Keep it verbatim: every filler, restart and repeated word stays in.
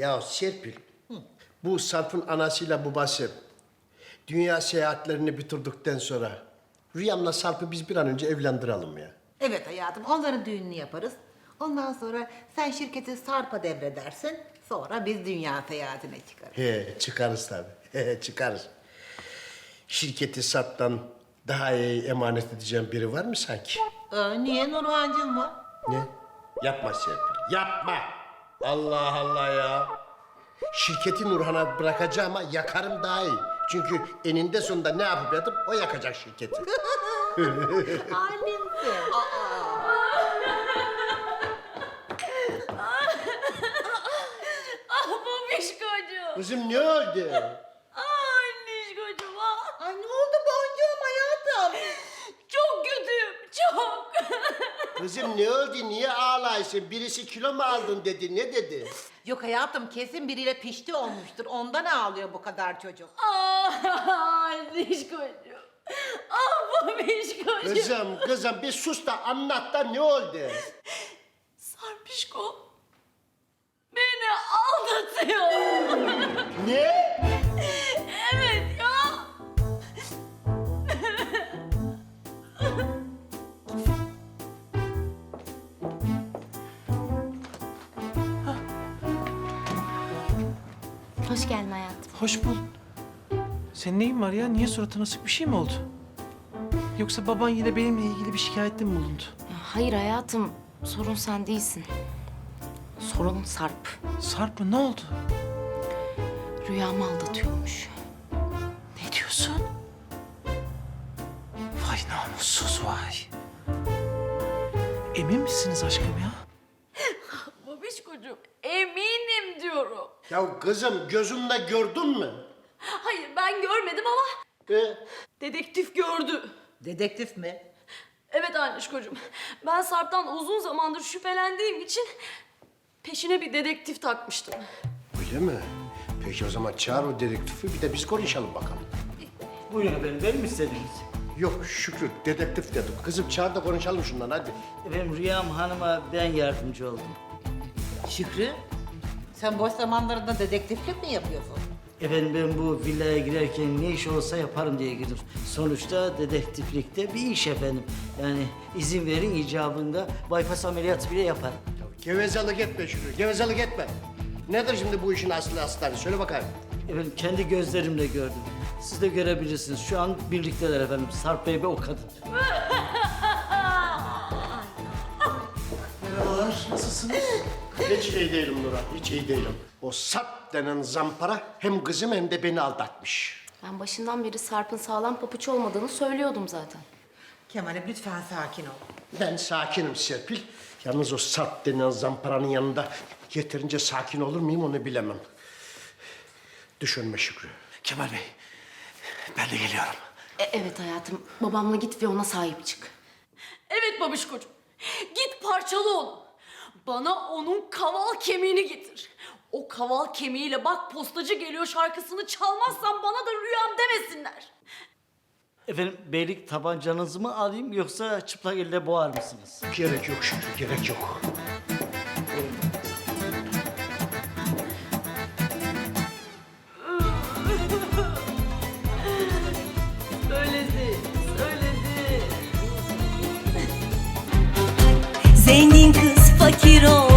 Ya Serpil, bu Sarp'ın anasıyla babası dünya seyahatlerini bitirdikten sonra Rüyam'la Sarp'ı biz bir an önce evlendirelim ya. Evet hayatım, onların düğününü yaparız. Ondan sonra sen şirketi Sarp'a devredersin. Sonra biz dünya seyahatine çıkarız. He, çıkarız tabii. He, çıkarız. Şirketi Sarp'tan daha iyi emanet edeceğim biri var mı sanki? Ee, niye Nurhancığım var? Ne? Yapma Serpil, yapma. Allah Allah ya. Şirketi Nurhan'a bırakacağım ama yakarım daha iyi. Çünkü eninde sonunda ne yapıp yatıp o yakacak şirketi. Halimsin. Ah babişkocuğum. Kızım ne oldu? Ah annişkocuğum ah. Ay ne oldu boncuğum hayatım? Çok kötüyüm çok. Kızım ne oldu? Niye ağlaysın? Birisi kilo mu aldın dedi. Ne dedi? Yok hayatım, kesin biriyle pişti olmuştur. Ondan ağlıyor bu kadar çocuk. Ah annişkocuğum. Ah babişkocuğum. Kızım, kızım bir sus da anlat da ne oldu? Sarpişko beni aldatıyor. Ne? Evet ya. Hoş geldin hayatım. Hoş bul. Senin neyin var ya? Niye suratına sık bir şey mi oldu? Yoksa baban yine benimle ilgili bir şikayette mi bulundu? Ya hayır hayatım, sorun sen değilsin. Sorun Sarp. Sarp mı? Ne oldu? Rüyamı aldatıyormuş. Ne diyorsun? Vay namussuz vay. Emin misiniz aşkım ya? Babişkocuğum eminim diyorum. Ya kızım gözünle gördün mü? Hayır ben görmedim ama Ee, dedektif gördü. Dedektif mi? Evet annişkocuğum. Ben Sarp'tan uzun zamandır şüphelendiğim için peşine bir dedektif takmıştım. öyle mi? Peki o zaman çağır o dedektifi bir de biz konuşalım bakalım. Buyurun efendim, benim mi istediniz? Yok Şükrü, dedektif dedim. Kızım çağır da konuşalım şundan hadi. Efendim Rüyam Hanım'a ben yardımcı oldum. Şükrü, sen boş zamanlarında dedektiflik mi yapıyorsun? Efendim ben bu villaya girerken ne iş olsa yaparım diye girdim. Sonuçta dedektiflikte bir iş efendim. Yani izin verin icabında bypass ameliyatı bile yaparım. Gevezelik etme Şükrü, gevezelik etme. Nedir şimdi bu işin aslı astarı? Söyle bakayım. Efendim kendi gözlerimle gördüm. Siz de görebilirsiniz. Şu an birlikteler efendim. Sarp Bey ve o kadın. Merhabalar, nasılsınız? Hiç iyi değilim Nurhan, hiç iyi değilim. O Sarp denen zampara hem kızım hem de beni aldatmış. Ben başından beri Sarp'ın sağlam papuç olmadığını söylüyordum zaten. Kemal'im lütfen sakin ol. Ben sakinim Serpil. Yalnız o Sarp denen zamparanın yanında yeterince sakin olur muyum onu bilemem. Düşünme Şükrü. Kemal Bey, ben de geliyorum. E, evet hayatım, babamla git ve ona sahip çık. Evet babişkocuğum. Git parçala onu. Bana onun kaval kemiğini getir. O kaval kemiğiyle bak postacı geliyor şarkısını çalmazsan bana da rüyam demesinler. Efendim beylik tabancanızı mı alayım yoksa çıplak elle boğar mısınız? Gerek yok Şükrü, gerek yok. Söyledi, söyledi. Zengin kız fakir ol